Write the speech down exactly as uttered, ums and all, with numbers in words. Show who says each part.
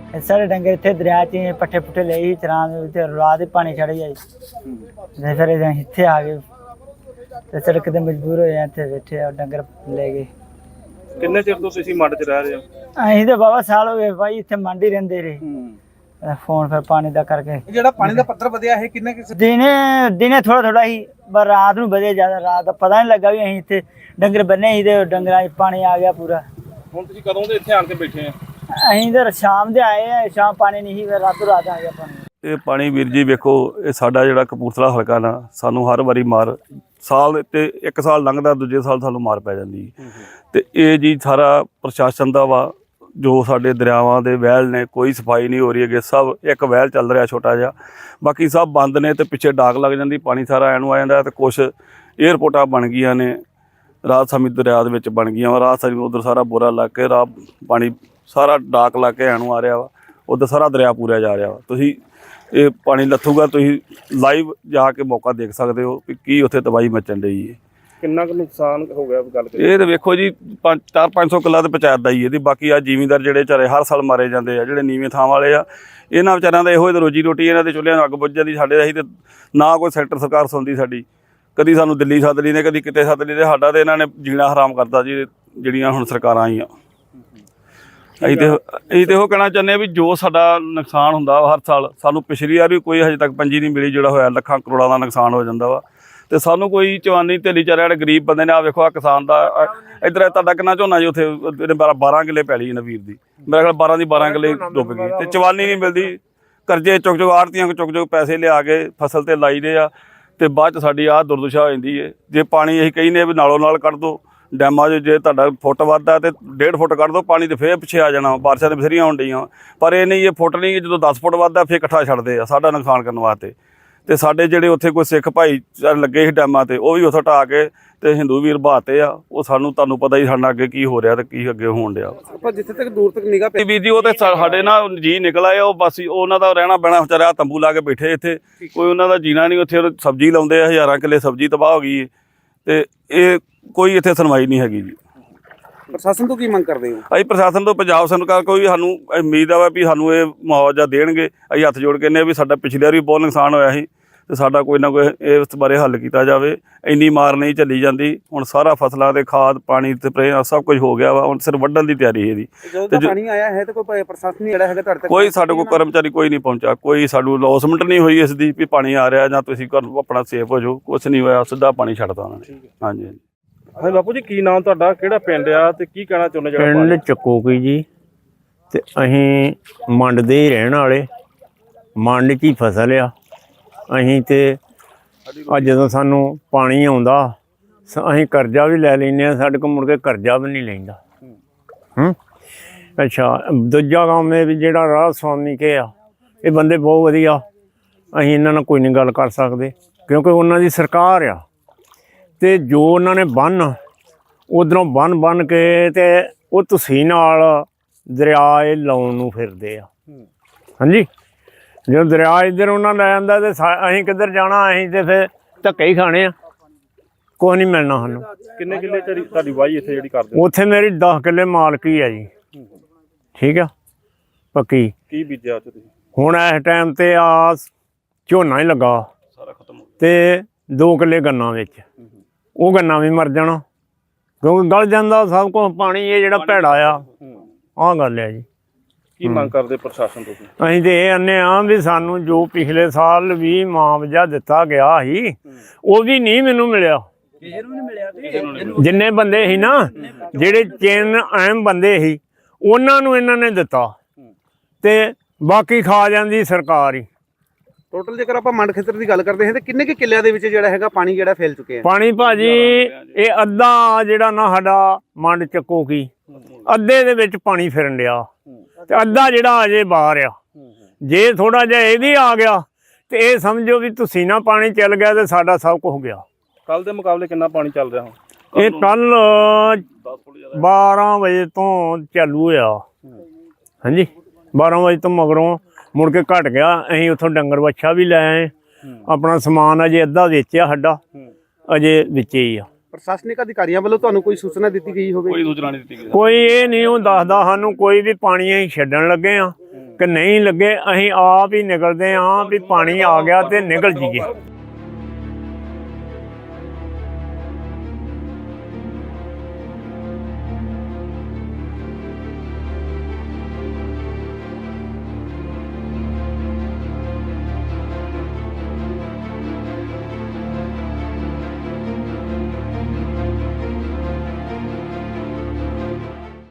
Speaker 1: साढ़े डंगर इतने दरिया च पट्ठे पुट्ठे ले ही चरान रात ही पानी चढ़ गया ते फिर इतने आ गए ते सड़क ते मजबूर होए इतने बैठे और डंगर ले गए।
Speaker 2: किन्ने चिर तो तुसीं मंड च रह रहे हो?
Speaker 1: असीं ते बाबा साल हो गए भाई इतने मंड ही रहिंदे रहे फोन फिर पानी दा करके
Speaker 2: ਜਿਹੜਾ ਪਾਣੀ ਦਾ ਪੱਧਰ ਵਧਿਆ ਹੈ ਕਿੰਨੇ ਕਿਸ
Speaker 1: दिने दिने थोड़ा थोड़ा ही पर रात नूं वधे ज्यादा रात दा पता नहीं लगा भी असीं इत्थे डंगर बन्ने ही ते डंगरां च पानी आ गया पूरा।
Speaker 2: ਹੁਣ ਤੁਸੀਂ ਕਦੋਂ ਦੇ ਇੱਥੇ ਆਣ ਕੇ ਬੈਠੇ ਆ?
Speaker 1: ਅਸੀਂ ਤਾਂ ਸ਼ਾਮ ਦੇ ਆਏ ਆ ਸ਼ਾਮ ਪਾਣੀ ਨਹੀਂ ਫਿਰ ਰਾਤੋਂ ਰਾਤ ਆ ਗਿਆ ਪਾਣੀ।
Speaker 3: ਇਹ ਪਾਣੀ ਵੀਰ ਜੀ ਵੇਖੋ ਇਹ ਸਾਡਾ ਜਿਹੜਾ ਕਪੂਰਥਲਾ ਹਲਕਾ ਨਾ ਸਾਨੂੰ ਹਰ ਵਾਰੀ ਮਾਰ ਸਾਲ ਤੇ ਇੱਕ ਸਾਲ ਲੰਘਦਾ ਦੂਜੇ ਸਾਲ ਸਾਨੂੰ ਮਾਰ ਪੈ ਜਾਂਦੀ ਤੇ ਇਹ ਜੀ ਸਾਰਾ ਪ੍ਰਸ਼ਾਸਨ ਦਾ ਵਾ ਜੋ ਸਾਡੇ ਦਰਿਆਵਾਂ ਦੇ ਵਹਿਲ ਨੇ ਕੋਈ ਸਫਾਈ ਨਹੀਂ ਹੋ ਰਹੀ ਹੈਗੇ ਸਭ ਇੱਕ ਵਹਿਲ ਚੱਲ ਰਿਹਾ ਛੋਟਾ ਜਿਹਾ ਬਾਕੀ ਸਭ ਬੰਦ ਨੇ ਤੇ ਪਿੱਛੇ ਡਾਕ ਲੱਗ ਜਾਂਦੀ ਪਾਣੀ ਸਾਰਾ ਐਨੂੰ ਆ ਜਾਂਦਾ ਤੇ ਕੁਛ ਏਅਰਪੋਰਟਾਂ ਬਣ ਗਈਆਂ ਨੇ ਰਾਤ ਸਮੇਂ ਦਰਿਆ ਦੇ ਵਿੱਚ ਬਣ ਗਈਆਂ ਵਾ ਰਾਤ ਸਮੇਂ ਉਧਰ ਸਾਰਾ ਬੋਰਾ ਲੱਗ ਕੇ ਰਾਹ ਪਾਣੀ ਸਾਰਾ ਡਾਕ ਲਾ ਕੇ ਐਨੂੰ ਆ ਰਿਹਾ ਵਾ ਉਧਰ ਸਾਰਾ ਦਰਿਆ ਪੂਰਿਆ ਜਾ ਰਿਹਾ ਵਾ। ਤੁਸੀਂ ਇਹ ਪਾਣੀ ਲੱਥੂਗਾ ਤੁਸੀਂ ਲਾਈਵ ਜਾ ਕੇ ਮੌਕਾ ਦੇਖ ਸਕਦੇ ਹੋ ਕਿ ਕੀ ਉੱਥੇ ਤਬਾਹੀ ਮਚਣ ਡਈ ਹੈ।
Speaker 2: ਕਿੰਨਾ ਕੁ ਨੁਕਸਾਨ ਹੋ ਗਿਆ ਗੱਲ ਕਰੀਏ?
Speaker 3: ਇਹ ਤਾਂ ਵੇਖੋ ਜੀ ਪੰਜ ਚਾਰ ਪੰਜ ਸੌ ਕਿੱਲਾ ਤੇ ਪੰਚਾਇਤ ਦਾ ਹੀ ਇਹਦੀ ਬਾਕੀ ਆ ਜ਼ਿਮੀਂਦਾਰ ਜਿਹੜੇ ਵਿਚਾਰੇ ਹਰ ਸਾਲ ਮਾਰੇ ਜਾਂਦੇ ਆ ਜਿਹੜੇ ਨੀਵੇਂ ਥਾਂ ਵਾਲੇ ਆ ਇਹਨਾਂ ਵਿਚਾਰਿਆਂ ਦਾ ਇਹੋ ਹੀ ਰੋਜੀ ਰੋਟੀ ਇਹਨਾਂ ਦੇ ਚੁੱਲ੍ਹਿਆਂ ਨੂੰ ਅੱਗ ਬੁੱਝ ਜਾਂਦੀ ਸਾਡੇ ਅਸੀਂ ਤੇ ਨਾ ਕੋਈ ਸੈਕਟਰ ਸਰਕਾਰ ਸੁਣਦੀ ਸਾਡੀ ਕਦੀ ਸਾਨੂੰ ਦਿੱਲੀ ਸੱਦ ਲਈ ਨੇ ਕਦੀ ਕਿਤੇ ਸੱਦ ਲਈ ਤੇ ਸਾਡਾ ਤੇ ਇਹਨਾਂ ਨੇ ਜੀਣਾ ਹਰਾਮ ਕਰਤਾ ਜੀ ਜਿਹੜੀਆਂ ਹੁਣ ਸਰਕਾਰਾਂ ਆਈਆਂ। ਅਸੀਂ ਤੇ ਅਸੀਂ ਤੇ ਉਹ ਕਹਿਣਾ ਚਾਹੁੰਦੇ ਹਾਂ ਵੀ ਜੋ ਸਾਡਾ ਨੁਕਸਾਨ ਹੁੰਦਾ ਹਰ ਸਾਲ ਸਾਨੂੰ ਪਿਛਲੀ ਵਾਰ ਵੀ ਕੋਈ ਹਜੇ ਤੱਕ ਪੰਜੀ ਨਹੀਂ ਮਿਲੀ ਜਿਹੜਾ ਹੋਇਆ ਲੱਖਾਂ ਕਰੋੜਾਂ ਦਾ ਨੁਕਸਾਨ ਹੋ ਜਾਂਦਾ ਵਾ ਤੇ ਸਾਨੂੰ ਕੋਈ ਚਵਾਨੀ ਢੇਲੀ ਚਾਰੇ ਜਿਹੜੇ ਗਰੀਬ ਬੰਦੇ ਨੇ ਆ ਵੇਖੋ ਆ ਕਿਸਾਨ ਦਾ ਇੱਧਰ ਤੁਹਾਡਾ ਕਿੰਨਾ ਝੋਨਾ ਜੀ ਉੱਥੇ ਬਾਰਾਂ ਕਿੱਲੇ ਪੈਲੀ ਨਾ ਵੀਰ ਦੀ ਮੇਰੇ ਖਿਆਲ ਬਾਰਾਂ ਦੀ ਬਾਰਾਂ ਕਿੱਲੇ ਡੁੱਬ ਗਈ ਤੇ ਚਵਾਨੀ ਨਹੀਂ ਮਿਲਦੀ ਕਰਜ਼ੇ ਚੁੱਕ ਚੁੱਕ ਆੜਤੀਆਂ ਚੁੱਕ ਚੁੱਕ ਪੈਸੇ ਲਿਆ ਕੇ ਫਸਲ ਤੇ ਲਾਈ ਦੇ ਆ ਤੇ ਬਾਅਦ 'ਚ ਸਾਡੀ ਆਹ ਦੁਰਦਸ਼ਾ ਹੋ ਜਾਂਦੀ ਹੈ। ਜੇ ਪਾਣੀ ਅਸੀਂ ਕਹਿੰਦੇ ਵੀ ਨਾਲੋਂ ਨਾਲ ਕੱਢ ਦਿਓ ਡੈਮਾਂ 'ਚ ਜੇ ਤੁਹਾਡਾ ਫੁੱਟ ਵੱਧਦਾ ਤੇ ਡੇਢ ਫੁੱਟ ਕੱਢ ਦਿਓ ਪਾਣੀ ਤੇ ਫੇਰ ਪਿੱਛੇ ਆ ਜਾਣਾ ਬਾਰਿਸ਼ਾਂ ਤੇ ਬਥੇਰੀਆਂ ਹੋਣ ਡਈਆਂ ਪਰ ਇਹ ਨਹੀਂ ਇਹ ਫੁੱਟ ਨਹੀਂ ਜਦੋਂ ਦਸ ਫੁੱਟ ਵੱਧਦਾ ਫੇਰ ਇਕੱਠਾ ਛੱਡਦੇ ਆ ਸਾਡਾ ਨੁਕਸਾਨ ਕਰਨ ਵਾਸਤੇ ਤੇ ਸਾਡੇ ਜਿਹੜੇ ਉੱਥੇ ਕੋਈ ਸਿੱਖ ਭਾਈ ਲੱਗੇ ਸੀ ਡੈਮਾਂ ਤੇ ਉਹ ਵੀ ਉੱਥੋਂ ਢਾਹ ਕੇ ਤੇ ਹਿੰਦੂ ਵੀਰ ਬਹਾਤੇ ਆ ਉਹ ਸਾਨੂੰ ਤੁਹਾਨੂੰ ਪਤਾ ਹੀ ਸਾਡਾ ਅੱਗੇ ਕੀ ਹੋ ਰਿਹਾ ਤੇ ਕੀ ਅੱਗੇ ਹੋਣ ਡਿਆ
Speaker 2: ਆਪਾਂ ਜਿੱਥੇ ਤੱਕ ਦੂਰ ਤੱਕ ਨਿਗਾਹ ਪਈ
Speaker 3: ਵੀਰ ਜੀ ਉਹ ਤੇ ਸਾਡੇ ਨਾਲ ਜੀ ਨਿਕਲ ਆਏ ਉਹ ਬਸ ਉਹਨਾਂ ਦਾ ਰਹਿਣਾ ਬਹਿਣਾ ਵਿਚਾਰਾ ਤੰਬੂ ਲਾ ਕੇ ਬੈਠੇ ਇੱਥੇ ਕੋਈ ਉਹਨਾਂ ਦਾ ਜੀਣਾ ਨਹੀਂ ਉੱਥੇ ਸਬਜ਼ੀ ਲਾਉਂਦੇ ਆ ਹਜ਼ਾਰਾਂ ਕਿੱਲੇ ਸਬਜ਼ੀ ਤਬਾਹ ਹੋ ਗਈ ਤੇ ਇਹ ਕੋਈ ਇੱਥੇ ਸੁਣਵਾਈ ਨਹੀਂ ਹੈਗੀ ਜੀ।
Speaker 2: ਪ੍ਰਸ਼ਾਸਨ ਤੋਂ ਕੀ ਮੰਗ ਕਰਦੇ ਹੋ?
Speaker 3: ਅਸੀਂ ਪ੍ਰਸ਼ਾਸਨ ਤੋਂ ਪੰਜਾਬ ਸਰਕਾਰ ਕੋਈ ਸਾਨੂੰ ਉਮੀਦ ਆ ਵੀ ਸਾਨੂੰ ਇਹ ਮੁਆਵਜ਼ਾ ਦੇਣਗੇ ਅਸੀਂ ਹੱਥ ਜੋੜ ਕੇ ਨੇ ਵੀ ਸਾਡਾ ਪਿਛਲੇ ਵਾਰ ਵੀ ਬਹੁਤ ਨੁਕਸਾਨ ਹੋਇਆ ਸੀ ਤੇ ਸਾਡਾ ਕੋਈ ਨਾ ਕੋਈ ਇਸ ਬਾਰੇ ਹੱਲ ਕੀਤਾ ਜਾਵੇ ਇੰਨੀ ਮਾਰ ਨਹੀਂ ਚੱਲੀ ਜਾਂਦੀ ਹੁਣ ਸਾਰਾ ਫਸਲਾਂ ਦੇ ਖਾਦ ਪਾਣੀ ਸਪਰੇ ਸਭ ਕੁਝ ਹੋ ਗਿਆ ਵਾ ਹੁਣ ਸਿਰ ਵੱਢਣ ਦੀ ਤਿਆਰੀ ਇਹਦੀ
Speaker 2: ਤੇ ਪਾਣੀ ਆਇਆ ਹੈ ਤੇ ਕੋਈ ਪ੍ਰਸ਼ਾਸਨ ਜਿਹੜਾ ਹੈਗਾ ਤੁਹਾਡੇ ਤੱਕ
Speaker 3: ਕੋਈ ਸਾਡੇ ਕੋਲ ਕਰਮਚਾਰੀ ਕੋਈ ਨਹੀਂ ਪਹੁੰਚਾ ਕੋਈ ਸਾਨੂੰ ਲੌਸਮੈਂਟ ਨਹੀਂ ਹੋਈ ਇਸ ਦੀ ਵੀ ਪਾਣੀ ਆ ਰਿਹਾ ਜਾਂ ਤੁਸੀਂ ਆਪਣਾ ਸੇਫ ਹੋ ਜਾਓ ਕੁਛ ਨਹੀਂ ਹੋਇਆ ਸਿੱਧਾ ਪਾਣੀ ਛੱਡਤਾ ਉਹਨਾਂ ਨੇ। ਹਾਂਜੀ ਹਾਂਜੀ
Speaker 2: ਹਾਂ ਬਾਪੂ ਜੀ ਕੀ ਨਾਮ ਤੁਹਾਡਾ ਕਿਹੜਾ ਪਿੰਡ ਆ ਤੇ ਕੀ ਕਹਿਣਾ ਚਾਹੁੰਦੇ ਜਿਹੜਾ
Speaker 4: ਪਿੰਡ ਚੱਕੋਕੀ ਜੀ ਤੇ ਅਸੀਂ ਮੰਡ ਦੇ ਹੀ ਰਹਿਣ ਵਾਲੇ ਮੰਡ 'ਚ ਹੀ ਫਸਲ ਆ ਅਸੀਂ ਤੇ ਅੱਜ ਜਦੋਂ ਸਾਨੂੰ ਪਾਣੀ ਆਉਂਦਾ ਅਸੀਂ ਕਰਜ਼ਾ ਵੀ ਲੈ ਲੈਂਦੇ ਹਾਂ ਸਾਡੇ ਕੋਲ ਮੁੜ ਕੇ ਕਰਜ਼ਾ ਵੀ ਨਹੀਂ ਲੈਂਦਾ ਹੂੰ ਅੱਛਾ ਦੂਜਾ ਕੰਮ ਇਹ ਵੀ ਜਿਹੜਾ ਰਾਹ ਸਵਾਮੀ ਕੇ ਆ ਇਹ ਬੰਦੇ ਬਹੁਤ ਵਧੀਆ ਅਸੀਂ ਇਹਨਾਂ ਨਾਲ ਕੋਈ ਨਹੀਂ ਗੱਲ ਕਰ ਸਕਦੇ ਕਿਉਂਕਿ ਉਹਨਾਂ ਦੀ ਸਰਕਾਰ ਆ ਤੇ ਜੋ ਉਹਨਾਂ ਨੇ ਬੰਨ ਉਧਰੋਂ ਬੰਨ ਬੰਨ ਕੇ ਤੇ ਉਹ ਤੁਸੀਂ ਨਾਲ ਦਰਿਆ ਇਹ ਲਾਉਣ ਨੂੰ ਫਿਰਦੇ ਆ ਹਾਂਜੀ ਜਦੋਂ ਦਰਿਆ ਇੱਧਰ ਉਹਨਾਂ ਲੈ ਜਾਂਦਾ ਤੇ ਅਸੀਂ ਕਿੱਧਰ ਜਾਣਾ ਅਸੀਂ ਤੇ ਫਿਰ ਧੱਕੇ ਹੀ ਖਾਣੇ ਆ ਕੁਛ ਨਹੀਂ ਮਿਲਣਾ ਸਾਨੂੰ।
Speaker 2: ਕਿੰਨੇ ਕਿੱਲੇ ਤੁਹਾਡੀ ਵਾਹੀ ਇੱਥੇ ਜਿਹੜੀ ਕਰਦੇ
Speaker 4: ਉੱਥੇ ਮੇਰੀ ਦਸ ਕਿੱਲੇ ਮਾਲਕੀ ਆ ਜੀ ਠੀਕ ਆ ਪੱਕੀ
Speaker 2: ਕੀ ਬੀਜਿਆ ਉੱਥੇ ਤੁਸੀਂ?
Speaker 4: ਹੁਣ ਇਸ ਟਾਈਮ ਤੇ ਆ ਝੋਨਾ ਹੀ ਲੱਗਾ
Speaker 3: ਸਾਰਾ ਖਤਮ
Speaker 4: ਤੇ ਦੋ ਕਿੱਲੇ ਗੰਨਾ ਵਿੱਚ ਉਹ ਗੰਨਾ ਵੀ ਮਰ ਜਾਣਾ ਕਿਉਂਕਿ ਗਲ ਜਾਂਦਾ ਸਭ ਕੁਛ ਪਾਣੀ ਇਹ ਜਿਹੜਾ ਭੈੜਾ ਆ ਆਹ ਗੱਲ ਆ ਜੀ।
Speaker 2: ਕੀ ਮੰਗ ਕਰਦੇ ਪ੍ਰਸ਼ਾਸਨ ਤੋਂ?
Speaker 4: ਅਸੀਂ ਤੇ ਇਹ ਆਨੇ ਆ ਵੀ ਸਾਨੂੰ ਜੋ ਪਿਛਲੇ ਸਾਲ ਵੀ ਮੁਆਵਜ਼ਾ ਦਿੱਤਾ ਗਿਆ ਸੀ ਉਹ ਵੀ ਨਹੀਂ ਮੈਨੂੰ ਮਿਲਿਆ ਜਿੰਨੇ ਬੰਦੇ ਸੀ ਨਾ ਜਿਹੜੇ ਚੇਨ ਅਹਿਮ ਬੰਦੇ ਸੀ ਉਹਨਾਂ ਨੂੰ ਇਹਨਾਂ ਨੇ ਦਿੱਤਾ ਤੇ ਬਾਕੀ ਖਾ ਜਾਂਦੀ ਸਰਕਾਰ ਹੀ।
Speaker 2: ਟੋਟਲ ਜੇਕਰ ਆਪਾਂ ਮੰਡ ਖੇਤਰ ਦੀ ਗੱਲ ਕਰਦੇ ਹਾਂ ਤੇ ਕਿੰਨੇ ਕੁ ਕਿੱਲਿਆਂ ਦੇ ਵਿੱਚ ਜਿਹੜਾ ਹੈਗਾ ਪਾਣੀ ਜਿਹੜਾ ਫੈਲ ਚੁੱਕਿਆ?
Speaker 4: ਪਾਣੀ ਭਾਜੀ ਇਹ ਅੱਧਾ ਜਿਹੜਾ ਨਾ ਸਾਡਾ ਮੰਡ ਚੱਕੋਕੀ ਅੱਧੇ ਦੇ ਵਿੱਚ ਪਾਣੀ ਫਿਰਨ ਡਿਆ ਤੇ ਅੱਧਾ ਜਿਹੜਾ ਅਜੇ ਬਾਹਰ ਆ ਜੇ ਥੋੜਾ ਜਿਹਾ ਇਹ ਵੀ ਆ ਗਿਆ ਤੇ ਇਹ ਸਮਝੋ ਵੀ ਤੁਸੀਂ ਨਾ ਪਾਣੀ ਚੱਲ ਗਿਆ ਤੇ ਸਾਡਾ ਸਭ ਕੁਝ ਹੋ ਗਿਆ।
Speaker 2: ਕੱਲ ਦੇ ਮੁਕਾਬਲੇ ਕਿੰਨਾ ਪਾਣੀ ਚੱਲ ਰਿਹਾ ਹੁਣ?
Speaker 4: ਇਹ ਕੱਲ ਬਾਰਾਂ ਵਜੇ ਤੋਂ ਚਾਲੂ ਹੋਇਆ ਹਾਂਜੀ ਬਾਰਾਂ ਵਜੇ ਤੋਂ ਮਗਰੋਂ ਮੁੜ ਕੇ ਘਟ ਗਿਆ ਅਸੀਂ ਉੱਥੋਂ ਡੰਗਰ ਵੱਛਾ ਵੀ ਲੈ ਆਏ ਆਪਣਾ ਸਮਾਨ ਅਜੇ ਅੱਧਾ ਵੇਚਿਆ ਸਾਡਾ ਅਜੇ ਵਿੱਚੇ ਹੀ ਆ।
Speaker 2: ਪ੍ਰਸ਼ਾਸਨਿਕ ਅਧਿਕਾਰੀਆਂ ਵੱਲੋਂ ਤੁਹਾਨੂੰ ਕੋਈ ਸੂਚਨਾ ਦਿੱਤੀ ਗਈ ਹੋਵੇ?
Speaker 3: ਕੋਈ ਸੂਚਨਾ ਨਹੀਂ ਦਿੱਤੀ ਗਈ
Speaker 4: ਕੋਈ ਇਹ ਨਹੀਂ ਉਹ ਦੱਸਦਾ ਸਾਨੂੰ ਕੋਈ ਵੀ ਪਾਣੀ ਅਸੀਂ ਛੱਡਣ ਲੱਗੇ ਆ ਕਿ ਨਹੀਂ ਲੱਗੇ, ਅਸੀਂ ਆਪ ਹੀ ਨਿਕਲਦੇ ਹਾਂ ਵੀ ਪਾਣੀ ਆ ਗਿਆ ਤੇ ਨਿਕਲ ਜੀਏ।